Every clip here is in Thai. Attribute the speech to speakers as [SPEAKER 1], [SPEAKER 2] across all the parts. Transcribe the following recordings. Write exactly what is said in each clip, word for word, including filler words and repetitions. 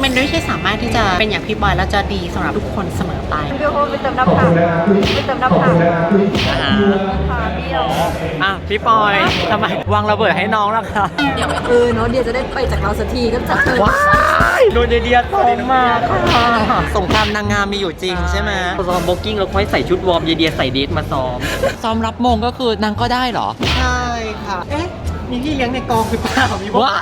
[SPEAKER 1] มันไม่ใช่สามารถที่จะเป็นอย่างพี่บอยแล้วจะดีสำหรับทุกคนเสมอไป
[SPEAKER 2] เดี๋ยวไปเติมน้ำผักไปเติมน้ำผัก
[SPEAKER 1] นะฮะ
[SPEAKER 2] ขาเบี้ยว
[SPEAKER 1] อ่ะพี่ปอยทำไมวางระเบิดให้น้องล่ะคะ
[SPEAKER 2] เดี๋ยวเออเนาะเดี๋ยวจะได้ไปจากเราสักทีก็จะเออ
[SPEAKER 1] ว้ายโดนเดียตรงมากค่ะสงครามนางงามมีอยู่จริงใช่ไหม
[SPEAKER 3] ซ้อมบ็อกกิ้งแล้วค่อยใส่ชุดวอร์มเยเดียใส่เดทมาซ้อม
[SPEAKER 1] ซ้อมรับมงก็คือนางก็ได้เหรอใช่ค่ะเอ๊ะมีพี่เลี้ยงในกองหรือเปล่ามีบ้า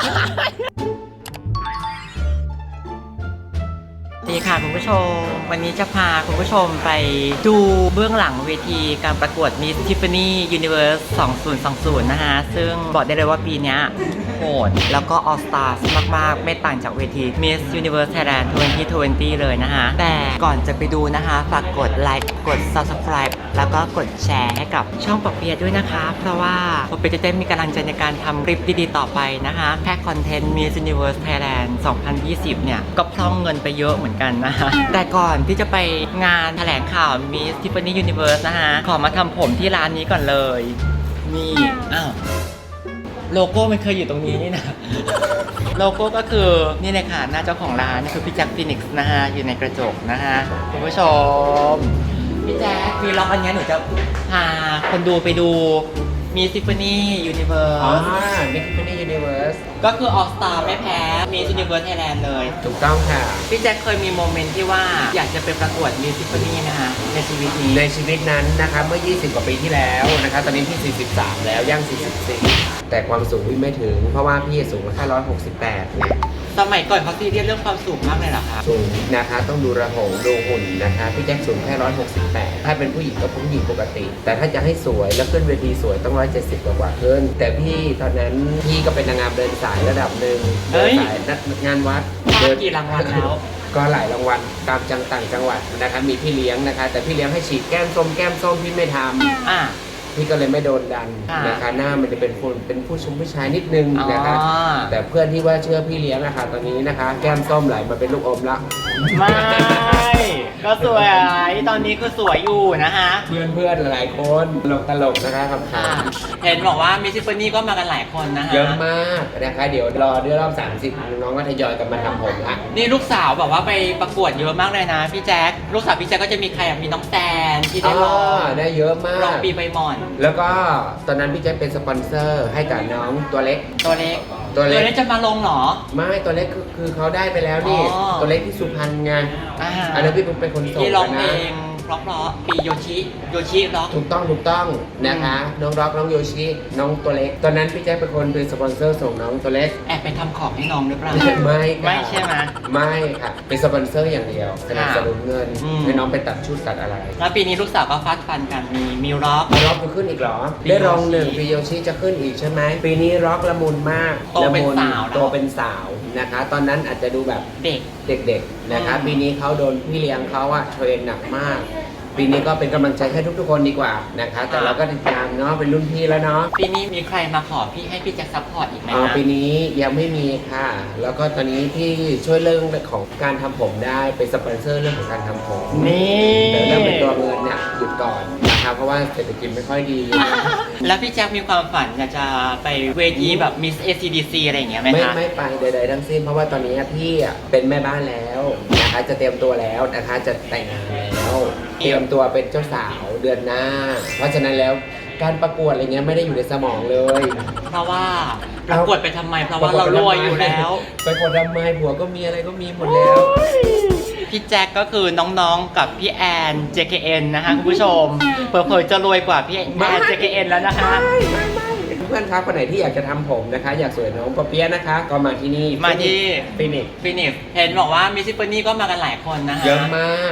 [SPEAKER 1] ดีค่ะคุณผู้ชมวันนี้จะพาคุณผู้ชมไปดูเบื้องหลังเวทีการประกวด Miss Tiffany Universe สองพันยี่สิบนะฮะซึ่งบอกได้เลยว่าปีนี้โหดแล้วก็ All Stars มากๆไม่ต่างจากเวที Miss Universe Thailand สองพันยี่สิบเลยนะฮะแต่ก่อนจะไปดูนะคะฝากกดไลค์กด Subscribe แล้วก็กดแชร์ให้กับช่องปอเปียะด้วยนะคะเพราะว่าปอเปียะจะได้มีกำลังใจในการทำคลิปดีๆต่อไปนะคะแค่คอนเทนต์ Miss Universe Thailand สองพันยี่สิบเนี่ยก็พร่องเงินไปเยอะเหมือนกันนะฮะแต่ก่อนที่จะไปงานแถลงข่าว Miss Tiffany Universe นะฮะขอมาทำผมที่ร้านนี้ก่อนเลยนี่อ้าวโลโก้มันเคยอยู่ตรงนี้นี่นะ โลโก้ก็คือนี่เลยค่ะหน้าเจ้าของร้านนี่คือพี่แจ็คฟินิกซ์นะฮะอยู่ในกระจกนะฮะคุณผู้ชมพี่แจ็คมีล็อกอันนี้หนูจะพาคนดูไปดู Miss Tiffany Universe
[SPEAKER 3] อ๋อ Miss Tiffany Universe
[SPEAKER 1] ก็คือ All Star ไม่แพ้ Miss Universe Thailand เลย
[SPEAKER 3] ถูกต้องค่ะ
[SPEAKER 1] พี่แจ็คเคยมีโมเมนต์ที่ว่าอยากจะไปประกวด Miss Tiffany นะคะในชีวิตนี้
[SPEAKER 3] ในชีวิตนั้นนะคะเมื่อ ยี่สิบ กว่าปีที่แล้วนะคะตอนนี้พี่ สี่สิบสาม แล้วย่าง สี่สิบสี่ แต่ความสูงพี่ไม่ถึงเพราะว่าพี่สูงแค่หนึ่งร้อยหกสิบแปดไง
[SPEAKER 1] สมัยก่อนเขาซีเรียสเรื่องความสูงมากเลยเหรอคะ
[SPEAKER 3] สูงนะคะต้องดูระหงดูหุ่นนะคะพี่แจ็คสูงแค่หนึ่งร้อยหกสิบแปดถ้าเป็นผู้หญิงก็ผู้หญิงปกติ แต่ถ้าจะให้สวยแล้วขึ้นเวทีสวยต้องหนึ่งร้อยเจ็ดสิบกว่าขึ้นแต่พี่ตอนนั้นพี่ก็เป็นนางงามเดินสายระดับหนึ่งเดินสายงานวัด
[SPEAKER 1] ได้กี่รางวัลแล้ว
[SPEAKER 3] ก็หลายรางวัลตามจังต่างจังหวัดนะคะมีพี่เลี้ยงนะคะแต่พี่เลี้ยงให้ฉีดแก้มส้มแก้มส้มพี่ไม่ทำ
[SPEAKER 1] อ่ะ
[SPEAKER 3] พี่ก็เลยไม่โดนดัน
[SPEAKER 1] อ่าน
[SPEAKER 3] นะคะหน้ามันจะเป็นคนเป็นผู้ชมผู้ชายนิดนึงนะคะ
[SPEAKER 1] อ๋อ
[SPEAKER 3] แต่เพื่อนที่ว่าเชื่อพี่เลี้ยงนะคะตอนนี้นะคะ แก้มส้มไหลมาเป็นลูกอมละ
[SPEAKER 1] ไม่ ก็สวยตอนนี้คือสวยอยู่นะคะ
[SPEAKER 3] เพื่อนเพื่อนๆหลายคนตลกตลกๆนะคะคำถา
[SPEAKER 1] อ่ะ
[SPEAKER 3] ม
[SPEAKER 1] เห็นบอกว่า Miss Tiffany ก็มากันหลายคนนะคะ
[SPEAKER 3] เยอะมากนะคะเดี๋ยวรอเดือนรอบสามสิบน้องก็ทยอยกันมาทำผมค่ะ
[SPEAKER 1] นี่ลูกสาวแบบว่าไปประกวดเยอะมากเลยนะพี่แจ๊คลูกสาวพี่แจ๊คก็จะมีใครอ่ะมีน้องแตนที่ได้รอง
[SPEAKER 3] ได้เยอะมาก
[SPEAKER 1] รองปีใบหม่อน
[SPEAKER 3] แล้วก็ตอนนั้นพี่แจ๊คเป็นสปอนเซอร์ให้กับน้องตัวเล็ก
[SPEAKER 1] ตัวเล็ก
[SPEAKER 3] ตัวเล็ก
[SPEAKER 1] จะมาลงเหรอ
[SPEAKER 3] ไม่ตัวเล็กคือคือเขาได้ไปแล้วนี่
[SPEAKER 1] อ๋อ
[SPEAKER 3] ตัวเล็กที่สุพรรณไง
[SPEAKER 1] อ่า
[SPEAKER 3] อันนั้นพี่เป็นคนส่ง
[SPEAKER 1] ที่ร้องเพล
[SPEAKER 3] นะ
[SPEAKER 1] งเพราะๆปีโยชิโยชิร็อก
[SPEAKER 3] ถูกต้องถูกต้องนะคะ น้องร็อกน้องโยชิน้องตัวเล็ก ตอนนั้นพี่แจ๊คเป็นคนเป็นสปอนเซอร์ส่งน้องตัวเล็ก
[SPEAKER 1] แอบไปทำของให้น้องหรือเปล่า
[SPEAKER 3] ไม่ค่ะ
[SPEAKER 1] ไม่ใช่ไหม
[SPEAKER 3] ไม่ค่ะเป็นสปอนเซอร์อย่างเดียวสนับสนุนเงิน
[SPEAKER 1] อืม
[SPEAKER 3] ให้น้องไปตัดชุดตัดอะไร
[SPEAKER 1] แล้วปีนี้ลูกสาวก็ฟาดฟันกันมีมิวร็อก
[SPEAKER 3] เอาร็อกจะขึ้นอีกเหรอ ได้รองหนึ่งปีโยชิจะขึ้นอีกใช่ไหมปีนี้ร็อกละมุนมาก
[SPEAKER 1] โตเป็น
[SPEAKER 3] ละมุ
[SPEAKER 1] สาวแล้ว
[SPEAKER 3] โตเป็นสาวนะคะ ตอนนั้นอาจจะดูแบบ
[SPEAKER 1] เด็ก
[SPEAKER 3] เด็กๆนะคะ
[SPEAKER 1] อืม
[SPEAKER 3] ปีนี้เขาโดนพี่เลี้ยงเขาอะเทรนหนักมาก ปีนี้ก็เป็นกำลังใจให้ทุกๆคนดีกว่านะคะ แต่เราก็ติดตามเนาะเป็นรุ่นพี่แล้วเนาะ
[SPEAKER 1] ปีนี้มีใครมาขอพี่ให้พี่แจ็คซัพพอร์ตอีกไหม
[SPEAKER 3] อ๋อ
[SPEAKER 1] คะ
[SPEAKER 3] ปีนี้ยังไม่มีค่ะ แล้วก็ตอนนี้ที่ช่วยเรื่องของการทำผมได้เป็นสปอนเซอร์เรื่องของการทำผม
[SPEAKER 1] นี่
[SPEAKER 3] แต่เรื่องเป็นตัวเงินเนี่ยหยุดก่อนนะคะเพราะว่าเศรษฐกิจไม่ค่อยดี
[SPEAKER 1] แล้วพี่แจ็คมีความฝันอยากจะไปเวทีแบบ Miss เอ ซี ดี ซี อะไรอย่างเงี้ยไหม
[SPEAKER 3] ไม่
[SPEAKER 1] คะ
[SPEAKER 3] ไม่ไปใดๆทั้งสิ้นเพราะว่าตอนนี้พี่อ่ะเป็นแม่บ้านแล้วนะคะจะเตรียมตัวแล้วนะคะจะแต่งงานแล้วเตรียมตัวเป็นเจ้าสาวเดือนหน้า เพราะฉะนั้นแล้วการประกวดอะไรเงี้ยไม่ได้อยู่ในสมองเลย
[SPEAKER 1] เพราะว่าประกวดไปทำไม เพราะว่าเรารวยอยู่แล้ว
[SPEAKER 3] ไปกดทำไมผัวก็มีอะไรก็มีหมดแล้ว
[SPEAKER 1] พี่แจ็คก็คือน้องๆกับพี่แอน เจ เค เอ็น นะคะคุณผู้ชมเผลอๆจะรวยกว่าพี่แอน เจ เค เอ็น แล้วนะคะ
[SPEAKER 3] เพื่อนครับคนไหนที่อยากจะทำผมนะคะ อยากสวยน้องปอเปี๊ยะนะคะ ก็มาที่นี่
[SPEAKER 1] มาที่
[SPEAKER 3] ฟินิก
[SPEAKER 1] ฟินิกเห็นบอกว่ามิสซิปปนี่ก็มากันหลายคนนะคะ
[SPEAKER 3] เยอะมาก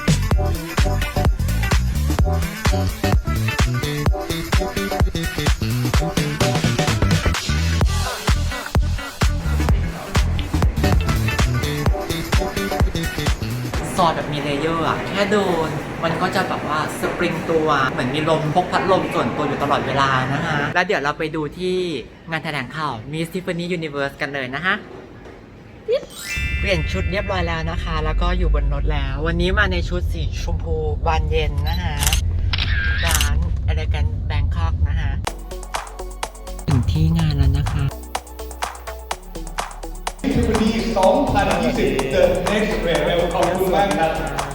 [SPEAKER 1] ซอสแบบมีเลเยอร์อะแค่โดนมันก็จะแบบว่าสปริงตัวเหมือนมีลมพกพัดลมส่วนตัวอยู่ตลอดเวลานะคะแล้วเดี๋ยวเราไปดูที่งานแถลงข่าว Miss Tiffany Universe กันเลยนะคะเปลี่ยนชุดเรียบร้อยแล้วนะคะ แล้วก็อยู่บนรถแล้ว วันนี้มาในชุดสีชมพูบานเย็นนะคะร้าน Elegant Bangkok นะคะถึงที่งานแล้วนะคะ
[SPEAKER 4] Tiffany สองพันยี่สิบ The Next Level ขอบคุณมากครับ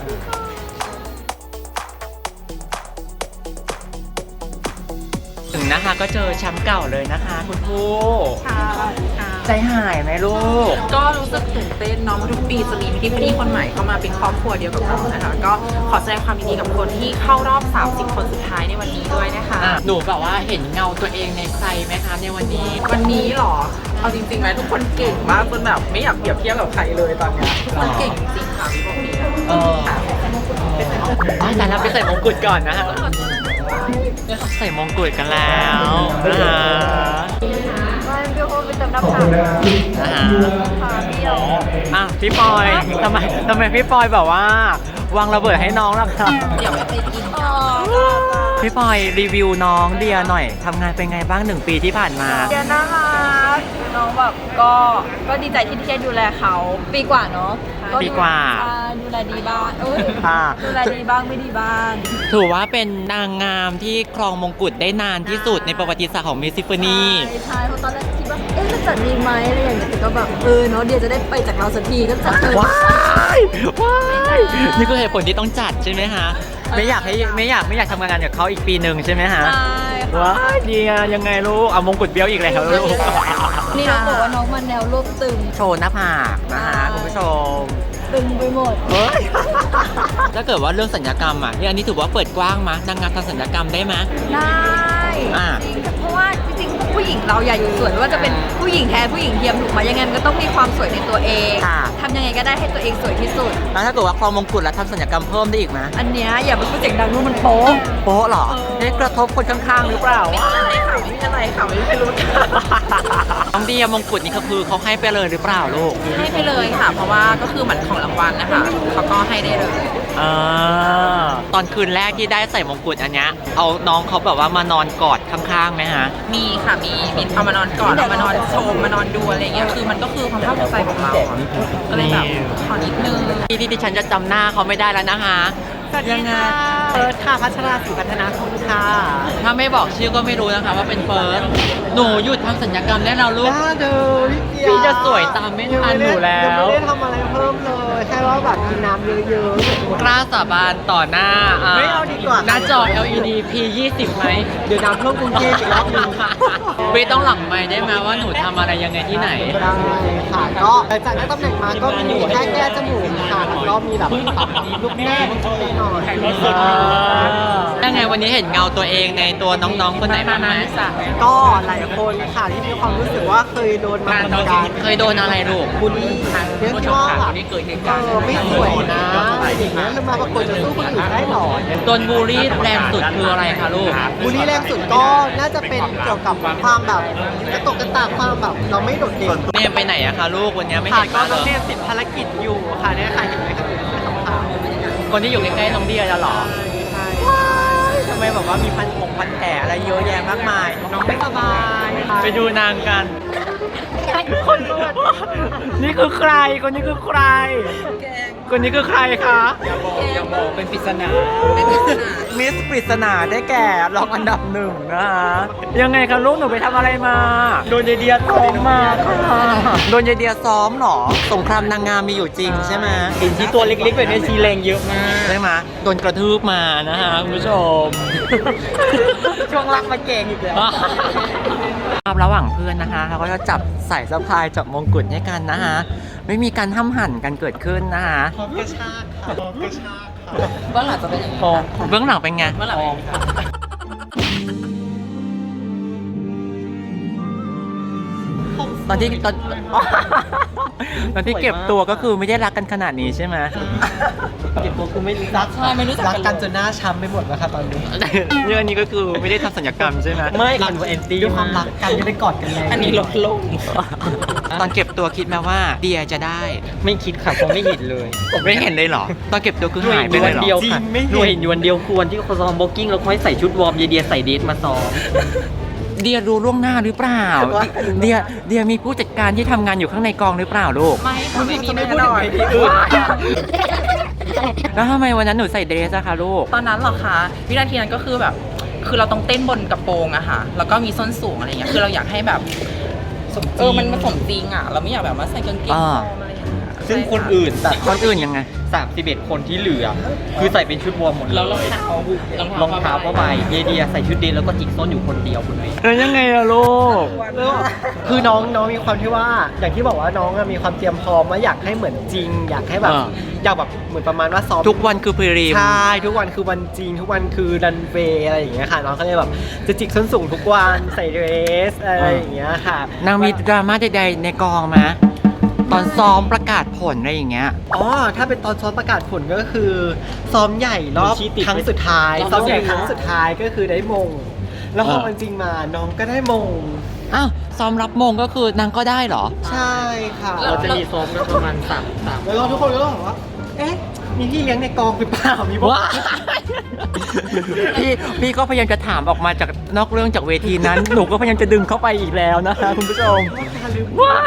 [SPEAKER 1] ถึงนะคะก็เจอแชมป์เก่าเลยนะคะคุณครู
[SPEAKER 2] ค่ะ
[SPEAKER 1] ใจหายไหมลูก
[SPEAKER 5] ก็รู้สึกตื่นเต้นเนาะทุกปีจะมีพิธีพิธีคนใหม่เข้ามาเป็นครอบครัวเดียวกับเรานะคะ ก็ขอแสดงความยินดีกับคนที่เข้ารอบ สามสิบ คนสุดท้ายในวันนี้ด้วยนะคะ
[SPEAKER 1] หนูแบบว่าเห็นเงาตัวเองในใครไหมคะในวันนี้
[SPEAKER 5] วันนี้เหรอ เอาจริงๆไหมทุกคนเก่งมากจนแบบไม่อยากเปรียบเทียบกับใครเลยตอนเนี้ยทุกคนเก่งจริงๆค่ะพี่บอกนี้
[SPEAKER 1] เอออ๋อแต่เราไปใส่มงกุฎก่อนนะฮะใส่มงกุฎกันแล้วนะคะ
[SPEAKER 2] ไม่เบี้ยวเพราะไปเติมน้ำผัก
[SPEAKER 1] นะคะ
[SPEAKER 2] ขาเบี้ยว
[SPEAKER 1] อ่ะพี่ปอยทำไมทำไมพี่ปอยแบบว่าวางระเบิดให้น้องล่ะครับ
[SPEAKER 5] เดี๋ยวไปกิน
[SPEAKER 2] อ๋อ
[SPEAKER 1] พี่ปอยรีวิวน้องเดียหน่อยทำงานเป็นไงบ้างหนึ่งปีที่ผ่านมา
[SPEAKER 2] เดียน่ารักน้องแบบก็ก็ดีใจที่ที่ได้ดูแลเขาปีกว่าเนาะ
[SPEAKER 1] ปีกว่า
[SPEAKER 2] ใช่ดูแลดีบ้างเอ้ย
[SPEAKER 1] อ่า
[SPEAKER 2] ดูแลดีบ้างไม่ดีบ้าง
[SPEAKER 1] ถือว่าเป็นนางงามที่ครองมงกุฎได้นานที่สุดในประวัติศาสตร์ของมิสซิฟนี
[SPEAKER 2] ใช่ใช่เพราะตอนแรกคิดว่าเอ๊ะจะจัดดีไหมอะไรอย่างเงี้ยแต่ก็แบบเออเนาะเดียจะได้ไปจากเราสักทีก็จัดเลย
[SPEAKER 1] ว้ายว้ายนี่คือเหตุผลที่ต้องจัดใช่ไหมฮะไม่อยากให้ไม่อยากไม่อยากทำงานกับเขาอีกปีหนึ่งใช่ไหมฮะ
[SPEAKER 2] ใช่ค่ะ
[SPEAKER 1] ว้ายดีอะยังไงลูกเอามงกุฎเบี้ยวอีกแล้วลูก
[SPEAKER 2] นี่น้องบอกว่าน้องมันแนวรวบตึง
[SPEAKER 1] โชว์หน้าผากนะฮะคุณผู้ชม
[SPEAKER 2] ตึงไปหมด
[SPEAKER 1] เฮ้ย ถ้าเกิดว่าเรื่องสัญญกรรมอ่ะที่อันนี้ถือว่าเปิดกว้างมะนางงามทำสัญญกรรมได้ไหม
[SPEAKER 2] ได้
[SPEAKER 1] อ่า
[SPEAKER 2] จริงเพราะว่าจริงๆผู้หญิงเราอย่าอยู่สวยไม่ว่าจะเป็นผู้หญิงแท้ผู้หญิงเทียมถูกไหมยังไงมันก็ต้องมีความสวยในตัวเอง
[SPEAKER 1] ค่ะ
[SPEAKER 2] ทำยังไงก็ได้ให้ตัวเองสวยที่สุด
[SPEAKER 1] แล้วถ้าเกิดว่าครองมงกุฎแล้วทำสัญญกรรมเพิ่มได้อีกไหม
[SPEAKER 2] อันเนี้ยอย่าไปพูดเสียงดังนู่นมันโป๊ะ
[SPEAKER 1] โป๊ะเหรอได้กระทบคนข้างๆหรือเปล่า
[SPEAKER 5] ไม่ได้ค่ะไม่มีอะไรค่ะไม่ไม่รู้จัก
[SPEAKER 1] น้องเดียมงกุฎนี่ก็คือเขาให้ไปเลยหรือเปล่าลูก
[SPEAKER 5] ให้ไปเลยค่ะ เพราะว่าก็คือเหมือนของรางวัลนะคะเขาก็ให้ได้เลย
[SPEAKER 1] อ่าตอนคืนแรกที่ได้ใส่มงกุฎอันเนี้ยเอาน้องเขาแบบว่ามานอนกอดข้างๆไหมฮะ
[SPEAKER 5] มีค่ะมีมีเอามานอนก่อนเอามานอนชมมานอนดูอะไรอย่างเงี้ยคือมันก็คือความภาคภูมิใจของเราอะก็เลยแบบขอนิดนึง
[SPEAKER 1] ที่ที่ดิฉันจะจำหน้าเขาไม่ได้แล้วนะคะยังไง
[SPEAKER 6] เฟิร์สค่ะพัชราศรีพัฒนาคุณค่ะ
[SPEAKER 1] ถ้าไม่บอกชื่อก็ไม่รู้นะคะว่าเป็นเฟิร์สหนูหยุดทำสัญญกรรมได้แล้วลูก
[SPEAKER 6] น่าดูพี่เดีย
[SPEAKER 1] พี่จะสวยตามไม่ทันหนูแล้
[SPEAKER 6] ยัง
[SPEAKER 1] ว
[SPEAKER 6] ไม่ได้ทำอะไรเพิ่มเลยแค่ว่าแบบกินน้ำเยอะๆ
[SPEAKER 1] กล้าสาบานต่อหน้า
[SPEAKER 6] ไม่เอาดีกว่า
[SPEAKER 1] หน้าจอ แอล อี ดี พี ยี่สิบไหม
[SPEAKER 6] เดี๋ยวน้ำท่วมกรุงเทพอีกรอบหนึง
[SPEAKER 1] ไม่ต้องหลังไมค์ได้ไหมว่าหนูทำอะไรยังไงที่ไหน
[SPEAKER 6] ได้ค่ะก็หลังจากได้ตำแหน่งมาก็มีแค่แก้จมูกค่ะแล้วก็มีแบบปรับลูกแม่นิดหน่อย
[SPEAKER 1] ยังไงวันนี้เห็นเงาตัวเองในตัวน้องๆคนไหนบ้างไหม
[SPEAKER 6] ก็หลายคนค่ะที่มีความรู้สึกว่าเคยโดนมาเหมือนกัน
[SPEAKER 1] เคยโดนอะไรลูก
[SPEAKER 6] บูลลี่เรื่องที่ว่าแบบเออไม่สวยนะอย่างเงี้ยแล้วมาประกวดจะสู้คนอื่นได้หรอ
[SPEAKER 1] โดนบูลลี่แรงสุดคืออะไรคะลูก
[SPEAKER 6] บูลลี่แรงสุดก็น่าจะเป็นเกี่ยวกับความแบบกระตกกระตากความแบบเราไม่โดดเด่น
[SPEAKER 1] เนมไปไหนอะคะลูกวันนี้ไม่
[SPEAKER 6] ค่ะ
[SPEAKER 1] เห็น
[SPEAKER 6] ก็
[SPEAKER 1] มา
[SPEAKER 6] น้อง
[SPEAKER 1] เล
[SPEAKER 6] เน
[SPEAKER 1] ย
[SPEAKER 6] มติดภารกิจอยู่ค่ะเนี่ยค่ะเห็นไหมคะเป็นขาว
[SPEAKER 1] คนที่อยู่ใกล้ๆน้องเดียจะหรอ
[SPEAKER 6] ๆใช่ทำไมแบบว่ามีพันผงพันแผลอะไรเยอะแยะมากมายน้องไม่สบาย
[SPEAKER 1] ไปดูนางกัน
[SPEAKER 6] คนเลือด
[SPEAKER 1] นี่คือใคร คนนี้คือใคร คนนี้คือใครคะ
[SPEAKER 5] อย่าบอกอย่าบอกเป็นปริศนา
[SPEAKER 1] มิสปริศนาได้แก่รองอันดับหนึ่งนะคะยังไงคะลูกหนูไปทำอะไรมา โดนยายเดียซ้อมมาค่ะโดนยายเดียซ้อมเหรอ สงครามนางงามมีอยู่จริงใช่ไหม
[SPEAKER 6] เห็นที่ตัวเล็กๆแบบนี้ชีแรงเยอะมาก
[SPEAKER 1] ใช่ไหมโดนกระทืบมานะฮะคุณผู้ชม
[SPEAKER 6] ช่วงล่างมาเก่งอีกแล้ว
[SPEAKER 1] ครับระหว่างเพื่อนนะคะเราก็จะจับใส่สะพายจับมงกุฎให้กันนะฮะไม่มีการห้ามหันกันเกิดขึ้นนะคะ
[SPEAKER 6] พร้อมกระชากค่ะพร้อมกระชากค่ะ
[SPEAKER 5] เบื้องหลังจะเป็นอย่างนี้
[SPEAKER 1] เบื้องหลังเป็นไง
[SPEAKER 5] เบื้องหลังเป็นอย่างนี้ค่ะ
[SPEAKER 1] ตอนที่ตอน ตอนที่เก็บตัวก็คือไม่ได้รักกันขนาดนี้ใช่ไหม
[SPEAKER 6] เก็บตัวคือไม่รัก
[SPEAKER 5] ใช่ไม่รู้จัก
[SPEAKER 6] รัก
[SPEAKER 5] กัน
[SPEAKER 6] กันจนหน้าช้ำไปหมดแล้วค่ะตอนนี้
[SPEAKER 1] เรื่องนี้ก็คือไม่ได้ทำสัญญกรรมใช่ไหม
[SPEAKER 6] ไม่รักแอนตี้ด้วยความรักกันจะได้กอดกันแล้ว
[SPEAKER 5] อันนี้ลดลง
[SPEAKER 1] ตอนเก็บตัวคิดไหมว่าเดียจะได้
[SPEAKER 6] ไม่คิดค่ะคงไม่เห็นเลย
[SPEAKER 1] ไม่เห็นเลยเหรอ ตอนเก็บตัวคือหายไปเลยเหรอ
[SPEAKER 6] เดียวค่ะหน่วยอยู่วันเดียวควรที่เขาซ้อมบ็อกกิ้งแล้วค่อยใส่ชุดวอร์มเยเดียใส่เดทมาซ้อม
[SPEAKER 1] เดียรู้ล่วงหน้าหรือเปล่า
[SPEAKER 6] ว่า
[SPEAKER 1] เดียเดียมีผู้จัดการที่ทำงานอยู่ข้างในกองหรือเปล่าลูก
[SPEAKER 5] ไม่ค่ะไม่มี
[SPEAKER 6] ไม่
[SPEAKER 5] แน่
[SPEAKER 6] พูด
[SPEAKER 5] น
[SPEAKER 6] ถึ
[SPEAKER 5] อง น
[SPEAKER 6] เวทีอื่น
[SPEAKER 1] แล้วทำไมวันนั้นหนูใส่เดรสอะคะลูก
[SPEAKER 5] ตอนนั้นเหรอคะวินาทีนั้นก็คือแบบ คือเราต้องเต้นบนกระโปรงอะค่ะ แล้วก็มีส้นสูงอะไรเงี้ยคือเราอยากให้แบบ
[SPEAKER 6] สมจริง
[SPEAKER 5] เออมันมันสมจริงอ่ะเราไม่อยากแบบว่าใส่กางเกง
[SPEAKER 1] อ่า
[SPEAKER 5] วอร์มอะไรอย่างเงี้ย
[SPEAKER 6] ซึ่งคนอื่นแบบ
[SPEAKER 1] คนอื่นยังไง
[SPEAKER 6] สามสิบเอ็ดคนที่เหลือ คือใส่เป็นชุดวอร์มหมดเลย
[SPEAKER 5] แล้วรองเท้าร
[SPEAKER 6] องเท้าผ้าใบเยเดียใส่ชุดเดนแล้วก็จิกส้นอยู่คนเดียวคุณเว
[SPEAKER 1] เออยังไงอะลูก
[SPEAKER 6] แล้วคือน้องน้องมีความที่ว่าอย่างที่บอกว่าน้องอะมีความเตรียมพร้อมว่าอยากให้เหมือนจริง อยากให้แบบ
[SPEAKER 1] อ่า
[SPEAKER 6] อยากแบบเหมือนประมาณว่าซ้อม
[SPEAKER 1] ทุกวันคือพรีรีม
[SPEAKER 6] ใช่ทุกวันคือวันจริง ทุกวันคือรันเวย์อะไรอย่างเงี้ยค่ะน้องก็เลยแบบจะจิกส้นสูงทุกวันใส่เดรสอะไรอย่างเงี้ยค่ะ
[SPEAKER 1] นางมีดราม่าใดๆในกองไหมตอนซ้อมประกาศผลอะไรอย่างเงี้ย
[SPEAKER 6] อ๋อ ถ้าเป็นตอนซ้อมประกาศผลก็คือซ้อมใหญ่รอบ
[SPEAKER 1] ชี้ติด
[SPEAKER 6] ครั้งสุดท้าย
[SPEAKER 1] รอบ
[SPEAKER 6] ซ้อมใหญ่
[SPEAKER 1] ใหญ่
[SPEAKER 6] ครั้งสุดท้ายก็คือได้มง แล้วพอ
[SPEAKER 1] เออ
[SPEAKER 6] มันจริงมาน้องก็ได้มง
[SPEAKER 1] อ้าวซ้อมรับมงก็คือนางก็ได้เหรอ
[SPEAKER 6] ใช่ค่ะ
[SPEAKER 5] เราจะมีซ้อมกันประมาณ
[SPEAKER 6] สามสามแล้วก็ทุกคนก็ต้องบอกว่า เอ๊ะ มีพี่เลี้ยงในกองหรือเปล่า มีบอก
[SPEAKER 1] ว้า พี่พี่ก็พยายามจะถามออกมาจากนอกเรื่องจากเวทีนั้น หนูก็พยายามจะดึงเข้าไปอีกแล้วนะคะคุณผู้ชมว้า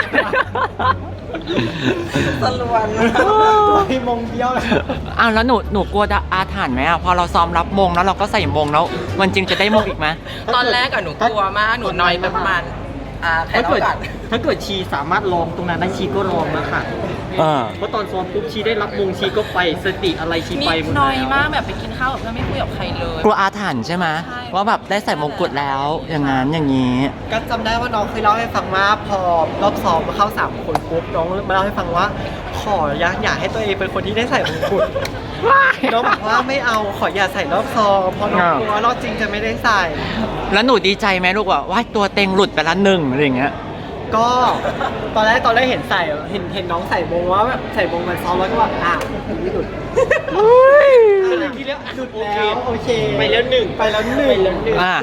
[SPEAKER 5] ตะลวน
[SPEAKER 6] มีมงเดียวเลย
[SPEAKER 1] อ้าวแล้วหนูหนูกลัวอาถรรพ์ไหมอ่ะพอเราซ้อมรับมงแล้วเราก็ใส่มงแล้วมันจริงจะได้มงอีกไหม
[SPEAKER 5] ตอนแรกอะหนูกลัวมากหนูนอยไปประมาณอ่าใคร
[SPEAKER 6] ถ้า
[SPEAKER 5] เล่า
[SPEAKER 6] เกิด
[SPEAKER 5] ก่อน
[SPEAKER 6] ถ้าเกิดชีสามารถลองตรงนั้นได้ชีก็ลองนะค่ะ
[SPEAKER 1] อ่า
[SPEAKER 6] เพราะตอนซ้อมปุ๊บชีได้รับมงชีก็ไปสติอะไรชี
[SPEAKER 5] นิ
[SPEAKER 6] ไป
[SPEAKER 5] ด
[SPEAKER 6] หมด
[SPEAKER 5] หน้อย
[SPEAKER 6] แล้ว
[SPEAKER 5] มากแบบไปกินข้าวกับเพื่อนไม่คุยกับใครเลย
[SPEAKER 1] กลัวอาถรรพ์ใช่ไหม
[SPEAKER 5] ใช่
[SPEAKER 1] ว่าแบบได้ใส่มงกุฎแล้วอย่างนั้นอย่างนี้
[SPEAKER 6] ก็จำได้ว่าน้องเคยเล่าให้ฟังว่าพอรอบซ้อมมาเข้าสามคนปุ๊บน้องมาเล่าให้ฟังว่า ขออยากอยากให้ตัวเองเป็นคนที่ได้ใส่มงกุฎน้องบอกว่าไม่เอาขออย่าใส่รอบซ้อมเพราะน้องกลัวรอบจริงจะไม่ได้ใส่
[SPEAKER 1] แล้วหนูดีใจไหมลูกว่าว่าตัวเต็งหลุดไปละหนึ่งอะไรอย่างเงี้ย
[SPEAKER 6] ก็ตอนแรกตอนแรกเห็นใส่เห็นเห็นน้องใส่มงว่าแบบใส่มงมันซ้อมแล้วก็แบบอ่ะไม่หลุดอะไรทีเดียวหลุดแล้วโอเคไปแล้วหนึ่งไปแล้วหนึ่งไปแล้วหนึ่ง
[SPEAKER 1] อ่ะ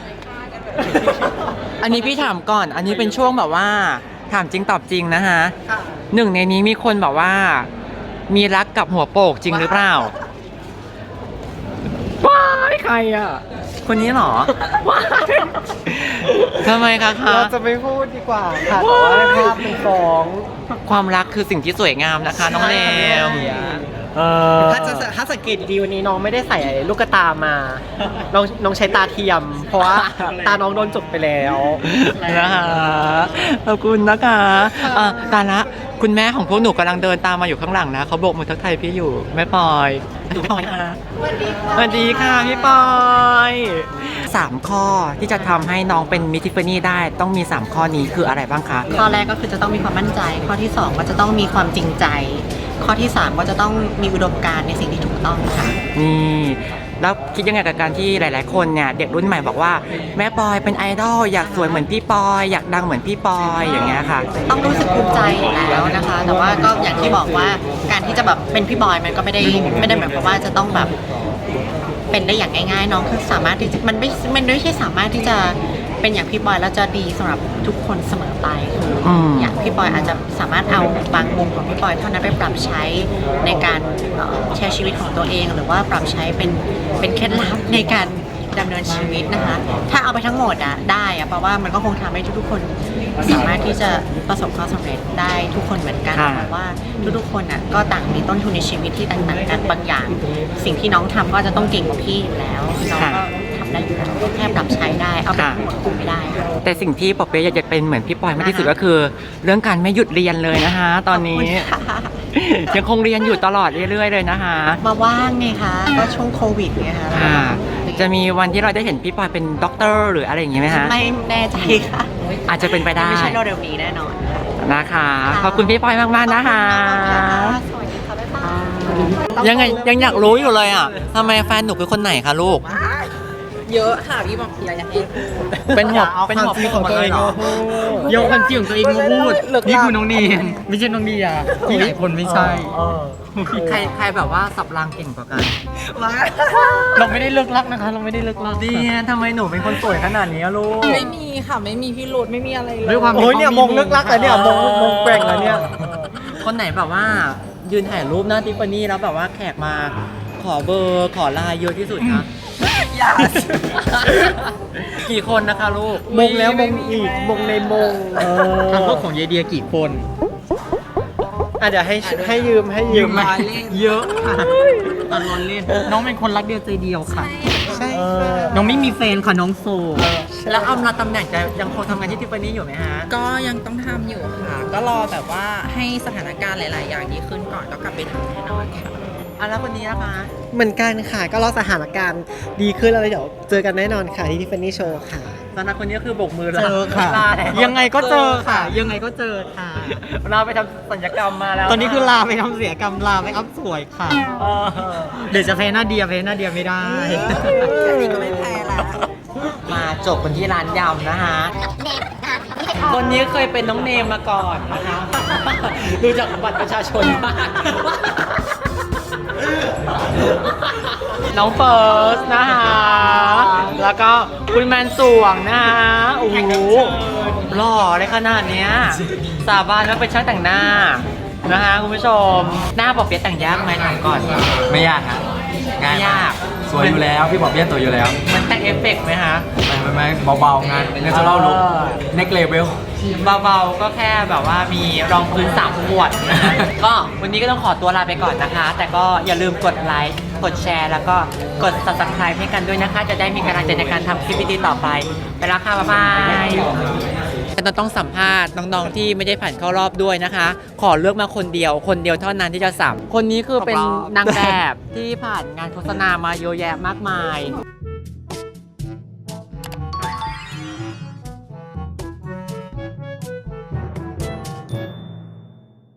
[SPEAKER 1] อันนี้พี่ถามก่อน อันนี้เป็นช่วงแบบว่า ถามจริงตอบจริงนะฮะ
[SPEAKER 6] ค่ะ
[SPEAKER 1] หนึ่งในนี้มีคนแบบว่า มีรักกับหัวโปกจริงหรือเปล่า ว้ายใครอ่ะ คนนี้เหรอ ว้ายทำไมคะคะ
[SPEAKER 6] เราจะไม่พูดดีกว่าค่ะแต่ว่าภาพเป็นฟ้อง
[SPEAKER 1] ความรักคือสิ่งที่สวยงามนะคะ น้องเลมเออ
[SPEAKER 6] ถ้าจะถ้าสังเกตดีวันนี้น้องไม่ได้ใส่ลูกตามา น้องน้องใช้ตาเทียม เพราะว่าตาน้องโดนจบไปแล้ว
[SPEAKER 1] นะคะขอบคุณนะคะอ่ะตาละคุณแม่ของพวกหนูกำลังเดินตามมาอยู่ข้างหลังนะเขาโบกมือทักทายพี่อยู่แม่ปอยพี่ปอยค่ะสวัสดีค่ะพี่ปอยสามข้อที่จะทำให้น้องเป็นมิทิฟานี่ได้ต้องมีสามข้อนี้คืออะไรบ้างคะ
[SPEAKER 7] ข้อแรกก็คือจะต้องมีความมั่นใจ ข้อที่สองก็จะต้องมีความจริงใจ ข้อที่สามก็จะต้องมีอุดมการณ์ในสิ่งที่ถูกต้องค่ะ
[SPEAKER 1] นี่แล้วคิดยังไงกับการที่หลาย ๆ คนเนี่ยเด็กรุ่นใหม่บอกว่าแม่ปอยเป็นไอดอลอยากสวยเหมือนพี่ปอยอยากดังเหมือนพี่ปอยอย่างเงี้ยค่ะ
[SPEAKER 7] ต้องรู้สึกภูมิใจอยู่แล้วนะคะ แต่ว่าก็อย่างที่บอกว่าการที่จะแบบเป็นพี่บอยมันก็ไม่ได้ไม่ได้หมายความว่าจะต้องแบบเป็นได้อย่างง่ายๆน้องคือสามารถที่จะมันไม่มันไม่ใช่สามารถที่จะเป็นอย่างพี่บอยแล้วจะดีสำหรับทุกคนเสมอไปคืออ
[SPEAKER 1] ม
[SPEAKER 7] อย่างพี่บอยอาจจะสามารถเอาบางมุมของพี่บอยเท่านั้นไปปรับใช้ในการเอ่อใช้ชีวิตของตัวเอง หรือว่าปรับใช้เป็นเป็นเคล็ดลับในการดำเนินชีวิตนะคะ ถ้าเอาไปทั้งหมดอะได้อะเพราะว่ามันก็คงทำให้ทุกๆคนสามารถที่จะประสบความสำเร็จได้ทุกคนเหมือนกัน
[SPEAKER 1] ค่ะ
[SPEAKER 7] เพราะว่าทุกๆคนอะก็ต่างมีต้นทุนในชีวิตที่แตกต่างกันบางอย่าง สิ่งที่น้องทำก็จะต้องเก่งกว่าพี่อยู่แล้วน้องก็ทำได้อยู่แล้วแค่ปรับใช้ได้เอาไปทั้งหมดคุมไม่ได้ค่ะ
[SPEAKER 1] แต่สิ่งที่ปอเป๊ะอยากจะเป็นเหมือนพี่ปอยมากที่สุดก็คือ เรื่องการไม่หยุดเรียนเลยนะคะ ตอนนี้
[SPEAKER 7] ขอบคุณค่ะ
[SPEAKER 1] ยังคงเรียนอยู่ตลอดเรื่อยๆเลยนะคะ
[SPEAKER 7] มาว่างไงคะก็ช่วงโควิดไงคะ
[SPEAKER 1] ค่ะ จะมีวันที่เราได้เห็นพี่ปอยเป็นด็อกเตอร์หรืออะไรอย่างงี้ไหมคะ
[SPEAKER 7] ไม่แน่ใจค่ะ
[SPEAKER 1] อาจจะเป็นไปได้
[SPEAKER 7] ไม่ใช่เร็วๆนี้แน่นอนค่ะ
[SPEAKER 1] นะคะ ขอบคุณพี่ปอยมากๆนะคะ
[SPEAKER 7] สวัสดีค่ะบ๊ายบาย
[SPEAKER 1] ยังไงยังอยากรู้อยู่เลยอ่ะทำไมแฟนหนูเป็นคนไหนคะลูก
[SPEAKER 5] เยอะค่ะพี่บอกอย่าอยากให้พูด
[SPEAKER 1] เป็นหัว
[SPEAKER 6] เอา
[SPEAKER 1] เป็น
[SPEAKER 6] ความ
[SPEAKER 1] หัว
[SPEAKER 6] จริงของตัวเอง
[SPEAKER 1] หร
[SPEAKER 6] มาพูดโยนความจริงของตัวเองมาพูดนี่คือน้องเนียนไม่ใช่น้องเดียที่หลายคนไม่ใช่
[SPEAKER 1] ใครใครแบบว่าสับรางเก่งกว่ากัน
[SPEAKER 6] เราไม่ได้เลิกรักนะคะ เราไม่ได้เลิกรัก
[SPEAKER 1] ดีทำไมหนูเป็นคนสวยขนาดนี้อะลูก
[SPEAKER 5] ไม่มีค่ะไม่มีพี่โรดไม่มีอะไรเลย
[SPEAKER 6] ด้วยความโอ้ยเนี่ยมงเลิกรักอะเนี่ยมงมงแกว่งอะเนี่ย
[SPEAKER 1] คนไหนแบบว่า ยืนถ่ายรูปหน้าทิฟฟานี่แล้วแบบว่าแขกมาขอเบอร์ขอไลน์เยอะที่สุดคะ
[SPEAKER 5] อย่า
[SPEAKER 1] กี่คนนะคะลูก
[SPEAKER 6] มงแล้วมงอีกมงในมง
[SPEAKER 1] ทางพวกของเยเดียกี่คน
[SPEAKER 6] อ่ะเดี๋ยวให้ให้ยืมให้ยืม
[SPEAKER 1] เยอะค่ะตอนนอนเล่น น้องเป็นคนรักเดียวใจเดียวค่ะ
[SPEAKER 6] ใช่น้องไม่มีแฟนค่ะน้องโสด
[SPEAKER 1] แล้วอำลาตำแหน่งจะยังคงทำงานที่ทิฟฟานี่อยู่ไหมฮะ
[SPEAKER 5] ก็ยังต้องทำอยู่ค่ะ ก็รอแบบว่าให้สถานการณ์หลาย ๆ อย่างดีขึ้นก่อนก็กลับไปทำแน่นอนค่ะ
[SPEAKER 1] อ่ะแล้วคนนี้นะคะ
[SPEAKER 6] เหมือนกันค่ะ ก็รอสถานการณ์ดีขึ้นแล้วเดี๋ยวเจอกันแน่นอนค่ะที่ทิฟฟานี่โชว์ค่ะ
[SPEAKER 1] ตอนนั้นคนนี้คือโบกมือลา
[SPEAKER 6] เจอค่ะ
[SPEAKER 1] ลาแล้ว
[SPEAKER 6] ยังไงก็เจอค่ะ ยังไงก็เจอค่ะ
[SPEAKER 1] เราไปทำสัญญกรรมมาแล้ว
[SPEAKER 6] ตอนนี้คือลาไปทำเสียกรรมลาไปอัพสวยค่ะ
[SPEAKER 1] เออ
[SPEAKER 6] เดี๋ยวจะแพ้หน้าเดียแพ้หน้าเดียไม่ได้
[SPEAKER 5] แค่นี้ก็ไม่แพ้แล้ว
[SPEAKER 1] มาจบกันที่ร้านยำนะคะ คนนี้เคยเป็นน้องเนมมาก่อนนะคะ ดูจากบัตรประชาชนมากน้องเฟิร์สนะคะ แล้วก็คุณแมนสวงนะคะโอ้โหหล่อเลยขนาดเนี้ย สาบานว่าเป็นช่างแต่งหน้านะคะคุณผู้ชม หน้าปอบเปี๊ยะแต่งยากไหมถามก่อน
[SPEAKER 8] ไม่ยากครับง่าย
[SPEAKER 1] ไม่ยาก
[SPEAKER 8] สวยอยู่แล้วพี่บอกพี่สวยอยู่แล้ว
[SPEAKER 1] มันแต่งเอฟเฟกต์ไหมคะ
[SPEAKER 8] ไม่ไม่ไม่เบาๆงานเนเจอรัลลุค
[SPEAKER 1] เออ
[SPEAKER 8] เน็กเลเวล
[SPEAKER 1] เบาๆ ก็แค่แบบว่ามีรองพื้นสามขวดนะฮะ ก็วันนี้ก็ต้องขอตัวลาไปก่อนนะคะ แต่ก็อย่าลืมกดไลค์ กดแชร์ แล้วก็กด subscribe ให้กันด้วยนะคะ จะได้มีกำลังใจในการทำคลิปดีๆต่อไป ไปแล้วค่ะ บ๊ายบายฉันต้องสัมภาษณ์น้องๆ ที่ไม่ได้ผ่านเข้ารอบด้วยนะคะ ขอเลือกมาคนเดียว คนเดียวเท่านั้นที่จะสัม คนนี้คือเป็นนางแบบที่ผ่านงานโฆษณามาเยอะแยะมากมาย